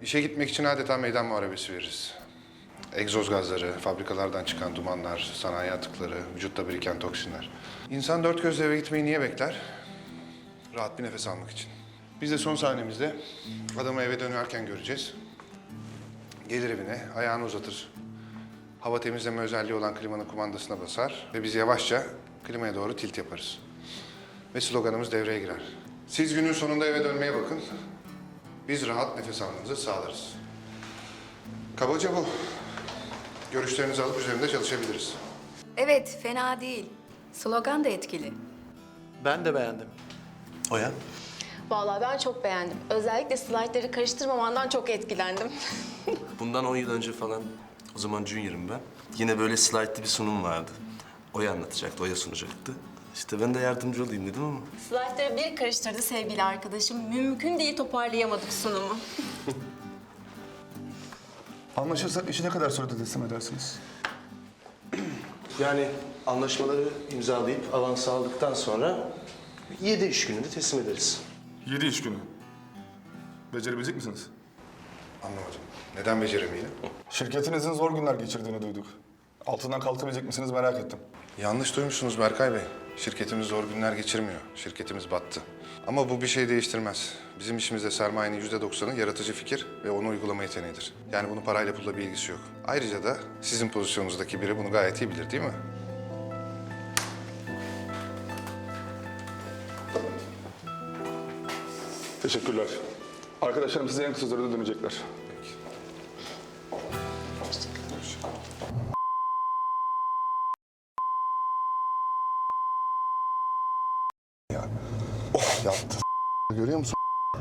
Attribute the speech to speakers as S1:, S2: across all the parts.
S1: İşe gitmek için adeta meydan muharebesi veririz. Egzoz gazları, fabrikalardan çıkan dumanlar, sanayi atıkları, vücutta biriken toksinler. İnsan dört gözle eve gitmeyi niye bekler? Rahat bir nefes almak için. Biz de son sahnemizde adamı eve dönerken göreceğiz. Gelir evine, ayağını uzatır. Hava temizleme özelliği olan klimanın kumandasına basar ve biz yavaşça klimaya doğru tilt yaparız. Ve sloganımız devreye girer. Siz günün sonunda eve dönmeye bakın. Biz rahat nefes almanızı sağlarız. Kabaca bu. Görüşlerinizi alıp üzerinde çalışabiliriz.
S2: Evet, fena değil. Slogan da etkili.
S3: Ben de beğendim.
S4: Oya?
S5: Vallahi ben çok beğendim. Özellikle slaytları karıştırmamandan çok etkilendim.
S4: Bundan 10 yıl önce falan, o zaman junior'ım ben. Yine böyle slaytlı bir sunum vardı. Oya anlatacaktı, Oya sunacaktı. İşte ben de yardımcı olayım dedim ama.
S5: Slaytları bir karıştırdı sevgili arkadaşım. Mümkün değil toparlayamadık sunumu.
S6: Anlaşırsak işi ne kadar sürede teslim edersiniz?
S4: Yani anlaşmaları imzalayıp avans aldıktan sonra 7 iş gününde teslim ederiz.
S6: 7 iş günü. Becerebilecek misiniz?
S1: Anlamadım. Neden beceremeyelim?
S6: Şirketinizin zor günler geçirdiğini duyduk. Altından kalkabilecek misiniz merak ettim.
S1: Yanlış duymuşsunuz Berkay Bey. Şirketimiz zor günler geçirmiyor. Şirketimiz battı. Ama bu bir şey değiştirmez. Bizim işimizde sermayenin %90'ı yaratıcı fikir ve onu uygulama yeteneğidir. Yani bunun parayla pulla bir ilgisi yok. Ayrıca da sizin pozisyonunuzdaki biri bunu gayet iyi bilir değil mi?
S6: Teşekkürler. Arkadaşlarım size en kısa sürede dönecekler.
S1: Peki.
S6: Yaptı. Görüyor musun?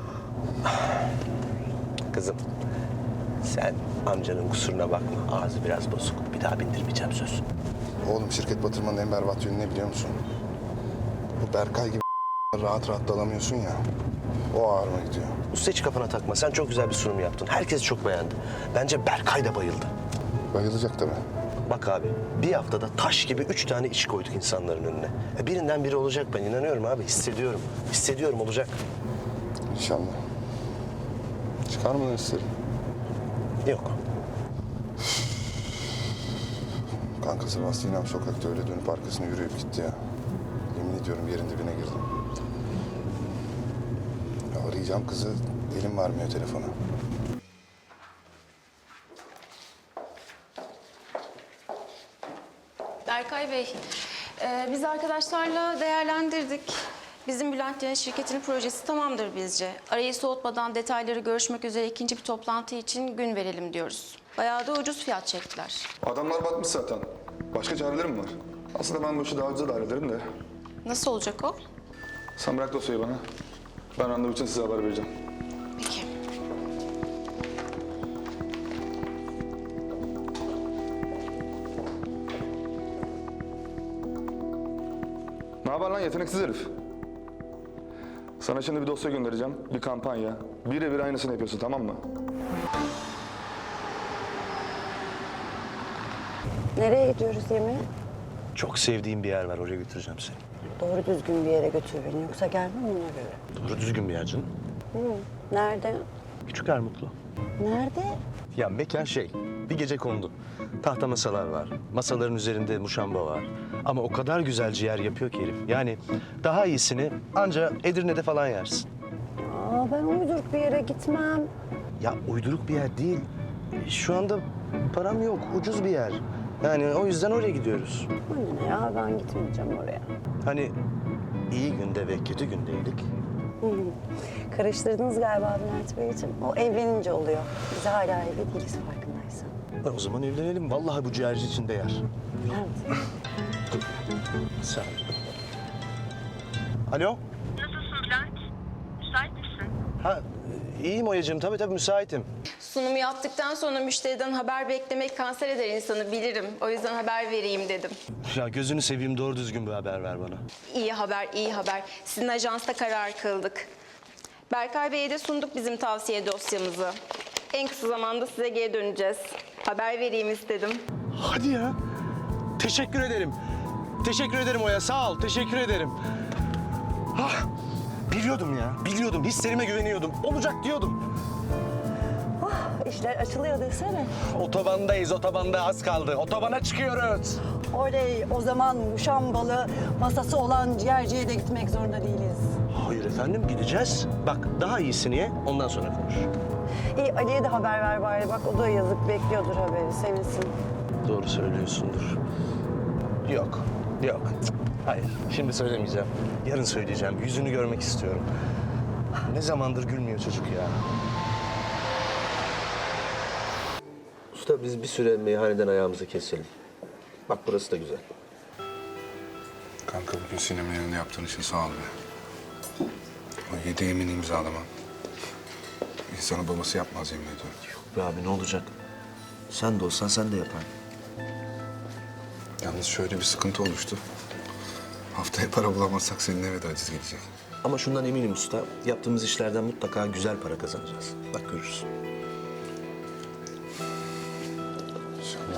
S4: Kızım, sen amcanın kusuruna bakma. Ağzı biraz bozuk. Bir daha bindirmeyeceğim söz.
S1: Oğlum şirket batırmanın en berbat yönü ne biliyor musun? Bu Berkay gibi rahat rahat dalamıyorsun ya. O ağrıma gidiyor.
S4: Usta hiç kafana takma. Sen çok güzel bir sunum yaptın. Herkes çok beğendi. Bence Berkay da bayıldı.
S1: Bayılacak tabii.
S4: Bak abi, bir haftada taş gibi 3 tane iş koyduk insanların önüne. Birinden biri olacak, ben inanıyorum abi. Hissediyorum. Hissediyorum, olacak.
S1: İnşallah. Çıkar mı isterim?
S4: Yok.
S1: Kanka Sebastian sokakta öyle dönüp arkasına yürüyüp gitti ya. Yemin ediyorum yerin dibine girdim. Ya arayacağım kızı, elim varmıyor telefona.
S5: Berkay Bey, biz arkadaşlarla değerlendirdik. Bizim Bülent'lerin şirketinin projesi tamamdır bizce. Arayı soğutmadan detayları görüşmek üzere ikinci bir toplantı için gün verelim diyoruz. Bayağı da ucuz fiyat çektiler.
S6: Adamlar batmış zaten. Başka çarelerim mi var? Aslında ben bu işi daha ucuza da hallederim de.
S5: Nasıl olacak o?
S6: Sen bırak dosyayı bana. Ben randevu için size haber vereceğim.
S5: Peki.
S6: Ne haber lan yeteneksiz herif? Sana şimdi bir dosya göndereceğim. Bir kampanya. Birebir aynısını yapıyorsun, tamam mı?
S7: Nereye gidiyoruz yemeğe?
S4: Çok sevdiğim bir yer var, oraya götüreceğim seni.
S7: Doğru düzgün bir yere götür beni. Yoksa gelmem ona göre.
S4: Doğru düzgün bir yer canım.
S7: Nerede?
S4: Küçük Ermutlu.
S7: Nerede?
S4: Ya mekan bir gece kondu. Tahta masalar var, masaların üzerinde muşamba var. Ama o kadar güzel ciğer yapıyor ki herif. Yani daha iyisini anca Edirne'de falan yersin.
S7: Aa, ben uyduruk bir yere gitmem.
S4: Ya uyduruk bir yer değil. Şu anda param yok, ucuz bir yer. Yani o yüzden oraya gidiyoruz.
S7: Bana ne ya, ben gitmeyeceğim oraya.
S4: Hani iyi günde ve kötü gündeydik.
S7: Karıştırdınız galiba Bülent Beyciğim. O evlenince oluyor. Biz hala evli değiliz farkındaysan.
S4: O zaman evlenelim. Vallahi bu ciğerci için değer.
S7: Bülent.
S4: Sağ ol. Alo?
S8: Nasılsın Bülent? Müsait misin?
S4: Ha, iyiyim Oya'cığım. Tabii müsaitim.
S5: Sunumu yaptıktan sonra müşteriden haber beklemek kanser eder insanı bilirim. O yüzden haber vereyim dedim.
S4: Ya gözünü seveyim, doğru düzgün bir haber ver bana.
S5: İyi haber, iyi haber. Sizin ajansta karar kıldık. Berkay Bey'e de sunduk bizim tavsiye dosyamızı. En kısa zamanda size geri döneceğiz. Haber vereyim istedim.
S4: Hadi ya. Teşekkür ederim. Teşekkür ederim Oya. Sağ ol. Teşekkür ederim. Ah, biliyordum ya. Biliyordum. Hislerime güveniyordum. Olacak diyordum.
S7: İşler açılıyor desene.
S4: Otobandayız, otobanda az kaldı. Otobana çıkıyoruz.
S7: Oley, o zaman muşambalı masası olan ciğerciye de gitmek zorunda değiliz.
S4: Hayır efendim, gideceğiz. Bak, daha iyisini ye, ondan sonra konuş.
S7: İyi, Ali'ye de haber ver bari. Bak o da yazık bekliyordur haberi, sevinsin.
S4: Doğru söylüyorsundur. Yok, yok. Cık, hayır, şimdi söylemeyeceğim. Yarın söyleyeceğim. Yüzünü görmek istiyorum. Ne zamandır gülmüyor çocuk ya.
S9: Usta biz bir süre meyhaneden ayağımızı keselim. Bak burası da güzel.
S1: Kanka bugün sinemanın yanında yaptığın için sağ ol be. O 7 yemin imzalaman. İnsanı babası yapmaz yemin ediyorum.
S4: Be abi ne olacak? Sen de olsan sen de yapardın.
S1: Yalnız şöyle bir sıkıntı oluştu. Haftaya para bulamazsak senin eve de aciz gelecek.
S4: Ama şundan eminim usta, yaptığımız işlerden mutlaka güzel para kazanacağız. Bak görürsün.
S1: İnşallah.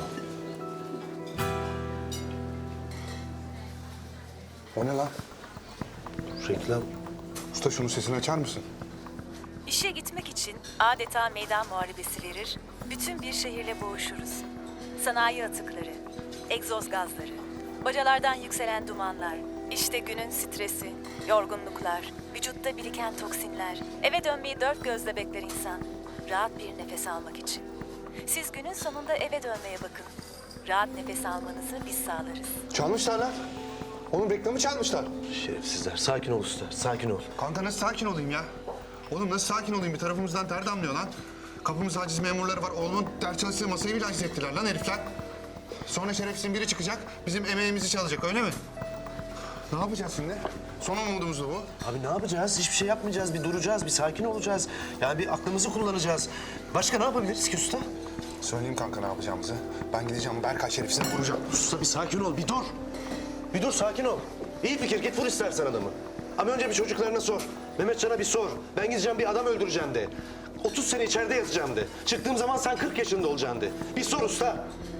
S1: O ne lan?
S4: Reklam.
S1: Usta şunun sesini açar mısın?
S10: İşe gitmek için adeta meydan muharebesi verir, bütün bir şehirle boğuşuruz. Sanayi atıkları, egzoz gazları, bacalardan yükselen dumanlar, işte günün stresi, yorgunluklar, vücutta biriken toksinler, eve dönmeyi dört gözle bekler insan, rahat bir nefes almak için. Siz günün sonunda eve dönmeye bakın. Rahat nefes almanızı biz sağlarız.
S1: Çalmışlar lan. Oğlum reklamı çalmışlar.
S4: Şerefsizler, sakin ol usta, sakin ol.
S1: Kanka nasıl sakin olayım ya? Oğlum nasıl sakin olayım? Bir tarafımızdan ter damlıyor lan. Kapımızda haciz memurları var. Oğlumun ders çalıştığı masayı bile haciz ettiler lan herifler. Sonra şerefsizin biri çıkacak, bizim emeğimizi çalacak öyle mi? Ne yapacağız şimdi? Son umudumuz da bu.
S4: Abi ne yapacağız? Hiçbir şey yapmayacağız. Bir duracağız, bir sakin olacağız. Yani bir aklımızı kullanacağız. Başka ne yapabiliriz ki usta?
S1: Söyleyeyim kanka ne yapacağımızı. Ben gideceğim Berkay şerefsizine vuracağım.
S4: Usta bir sakin ol, bir dur. Bir dur, sakin ol. İyi fikir, git vur istersen adamı. Ama önce bir çocuklarına sor. Mehmetcan'a bir sor. Ben gideceğim bir adam öldüreceğim de. 30 sene içeride yatacağım de. Çıktığım zaman sen 40 yaşında olacaksın de. Bir sor usta.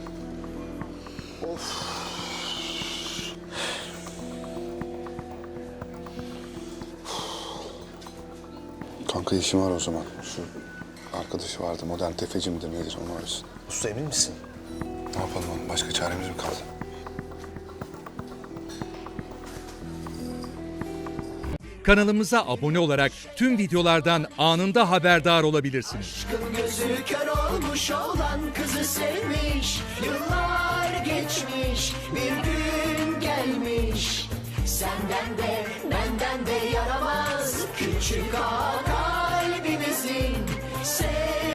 S1: Kanka işim var o zaman. Şu arkadaşı vardı, modern tefeci midir nedir onu arasın.
S4: Usta emin misin?
S1: Ne yapalım oğlum? Başka çaremiz mi kaldı?
S11: Kanalımıza abone olarak tüm videolardan anında haberdar olabilirsiniz.
S12: Gözü kör olmuş olan kızı sevmiş. Yıllar geçmiş, bir gün gelmiş. Senden de benden de yaramaz küçük ağa kalbimizin.